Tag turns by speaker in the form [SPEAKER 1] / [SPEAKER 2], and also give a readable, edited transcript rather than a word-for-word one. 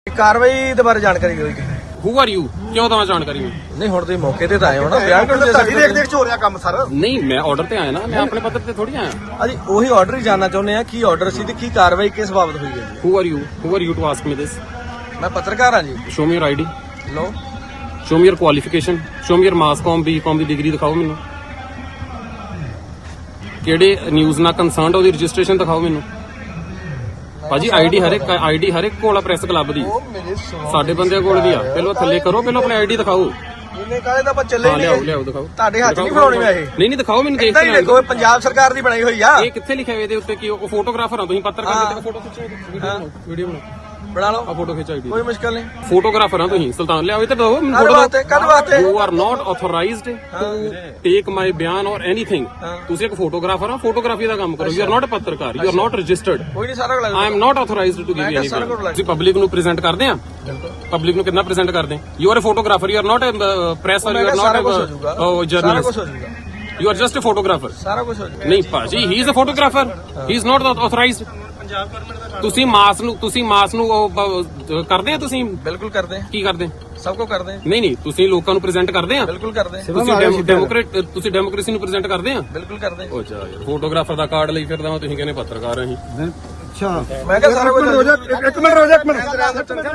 [SPEAKER 1] ਕਾਰਵਾਈ ਦੇ ਬਾਰੇ ਜਾਣਕਾਰੀ ਦਿਓ ਜੀ।
[SPEAKER 2] ਹੂ ਆਰ ਯੂ ਕਿਉਂ ਦਵਾਂ ਜਾਣਕਾਰੀ ਮੈਂ?
[SPEAKER 1] ਨਹੀਂ ਹੁਣ ਤੁਸੀਂ ਮੌਕੇ ਤੇ ਤਾਂ ਆਏ ਹੋ ਨਾ, ਬਿਆਨ ਕਿਉਂ ਦੇ ਸਕਦੇ?
[SPEAKER 3] ਦੇਖ ਚ ਹੋ ਰਿਹਾ ਕੰਮ ਸਰ।
[SPEAKER 2] ਨਹੀਂ ਮੈਂ ਆਰਡਰ ਤੇ ਆਇਆ ਨਾ, ਮੈਂ ਆਪਣੇ ਪੱਧਰ ਤੇ ਥੋੜੀ ਆਇਆ।
[SPEAKER 1] ਅਸੀਂ ਉਹੀ ਆਰਡਰ ਹੀ ਜਾਨਣਾ ਚਾਹੁੰਦੇ ਆ, ਕੀ ਆਰਡਰ ਸੀ ਤੇ ਕੀ ਕਾਰਵਾਈ ਕਿਸ ਬਾਬਤ ਹੋਈ ਹੈ ਜੀ?
[SPEAKER 2] Who are you to ask me this?
[SPEAKER 1] ਮੈਂ ਪੱਤਰਕਾਰ ਹਾਂ ਜੀ।
[SPEAKER 2] ਸ਼ੋ ਮੀ ਯਰ ਆਈਡੀ,
[SPEAKER 1] ਲੋ
[SPEAKER 2] show me your qualification, show me your mass comm B Com the degree ਦਿਖਾਓ ਮੈਨੂੰ। ਕਿਹੜੇ ਨਿਊਜ਼ ਨਾਲ ਕੰਸਰਨਡ ਉਹਦੀ ਰਜਿਸਟ੍ਰੇਸ਼ਨ ਦਿਖਾਓ ਮੈਨੂੰ। ਭਾਜੀ ਆਈਡੀ ਹਰ ਇੱਕ ਕੋਲ ਆ ਪ੍ਰੈਸ ਕਲੱਬ ਦੀ, ਸਾਡੇ ਬੰਦਿਆਂ ਕੋਲ ਵੀ ਆ। ਪਹਿਲਾਂ ਥੱਲੇ ਕਰੋ, ਪਹਿਲਾਂ ਆਪਣੀ ਆਈਡੀ ਦਿਖਾਓ।
[SPEAKER 1] ਇਹਨੇ ਕਾਹਦੇ ਤਾਂ ਆਪਾਂ ਚੱਲੇ
[SPEAKER 2] ਹਾਂ
[SPEAKER 1] ਹੀ
[SPEAKER 2] ਲਿਆਓ
[SPEAKER 1] ਨਹੀਂ।
[SPEAKER 2] ਲਿਆਓ ਦਿਖਾਓ।
[SPEAKER 1] ਤੁਹਾਡੇ ਹੱਥ ਨਹੀਂ ਫੜਾਉਣੀ ਮੈਂ ਇਹ।
[SPEAKER 2] ਨਹੀਂ ਦਿਖਾਓ ਮੈਨੂੰ, ਦੇਖ
[SPEAKER 1] ਇਦਾਂ ਹੀ ਦੇਖੋ, ਇਹ ਪੰਜਾਬ ਸਰਕਾਰ ਦੀ ਬਣਾਈ ਹੋਈ ਆ।
[SPEAKER 2] ਇਹ ਕਿੱਥੇ ਲਿਖਿਆ ਹੋਇਆ ਇਹਦੇ ਉੱਤੇ? ਕੀ ਉਹ ਫੋਟੋਗ੍ਰਾਫਰ ਆ ਤੁਸੀਂ? ਪੱਤਰਕਾਰ ਦੇ ਫੋਟੋ ਖਿੱਚੋ, ਵੀਡੀਓ ਬਣਾਓ,
[SPEAKER 1] ਬਣਾ ਲਓ,
[SPEAKER 2] ਆ ਫੋਟੋ ਖਿੱਚ ਆਈਡੀ।
[SPEAKER 1] ਕੋਈ ਮੁਸ਼ਕਲ ਨਹੀਂ।
[SPEAKER 2] ਫੋਟੋਗ੍ਰਾਫਰ ਆ ਤੁਸੀਂ? ਸੁਲਤਾਨ ਲਿਆਓ ਇੱਧਰ ਦਿਓ ਮੈਨੂੰ
[SPEAKER 1] ਕਦ
[SPEAKER 2] ਫੋਟੋ।
[SPEAKER 1] ਵਾਸਤੇ ਕਦ ਵਾਸਤੇ?
[SPEAKER 2] You are not authorised to take my ਬਿਆਨ ਔਰ ਐਨੀਥਿੰਗ। ਤੁਸੀਂ ਇੱਕ ਫੋਟੋਗ੍ਰਾਫਰ ਆ, ਫੋਟੋਗ੍ਰਾਫੀ ਦਾ ਕੰਮ ਕਰੋ। ਯੂ ਆਰ ਨਾਟ ਅ ਪੱਤਰਕਾਰ, ਯੂ ਆਰ ਨਾਟ ਰਜਿਸਟਰਡ।
[SPEAKER 1] ਕੋਈ ਨਹੀਂ, ਸਾਰਾ ਕੁਝ
[SPEAKER 2] I am not authorised to give you any. ਤੁਸੀਂ ਪਬਲਿਕ ਨੂੰ ਪ੍ਰੈਜ਼ੈਂਟ ਕਰਦੇ ਆ? ਪਬਲਿਕ ਨੂੰ ਕਿੰਨਾ ਪ੍ਰੈਜ਼ੈਂਟ ਕਰਦੇ? You are a photographer, you are not a press or you are not a journalist. You are just a photographer.
[SPEAKER 1] ਸਾਰਾ ਕੁਝ ਹੋ ਜਾਊਗਾ।
[SPEAKER 2] ਨਹੀਂ ਭਾਜੀ, he is a photographer, he is not authorised. ਤੁਸੀਂ ਮਾਸ ਨੂੰ ਕਰਦੇ ਆ? ਤੁਸੀਂ
[SPEAKER 1] ਬਿਲਕੁਲ ਕਰਦੇ ਆ,
[SPEAKER 2] ਕੀ ਕਰਦੇ?
[SPEAKER 1] ਸਭ ਕੁਝ ਕਰਦੇ ਆ।
[SPEAKER 2] ਨਹੀਂ ਤੁਸੀਂ ਲੋਕਾਂ ਨੂੰ ਪ੍ਰੈਜ਼ੈਂਟ ਕਰਦੇ ਆ?
[SPEAKER 1] ਬਿਲਕੁਲ ਕਰਦੇ ਆ,
[SPEAKER 2] ਤੁਸੀਂ ਡੈਮੋਕ੍ਰੇਸੀ ਨੂੰ ਪ੍ਰੈਜ਼ੈਂਟ ਕਰਦੇ ਆ?
[SPEAKER 1] ਬਿਲਕੁਲ ਕਰਦੇ ਆ।
[SPEAKER 2] ਉਹ ਚਾ ਯਾਰ, ਫੋਟੋਗ੍ਰਾਫਰ ਦਾ ਕਾਰਡ ਲਈ ਫਿਰਦਾ ਤੁਸੀਂ ਕਹਿੰਦੇ ਪੱਤਰਕਾਰ ਆ ਅਸੀਂ।
[SPEAKER 3] ਅੱਛਾ
[SPEAKER 1] ਮੈਂ ਕਿਹਾ ਸਾਰਾ ਕੁਝ
[SPEAKER 3] ਇੱਕ ਮਿੰਟ ਰੋ ਜਾ।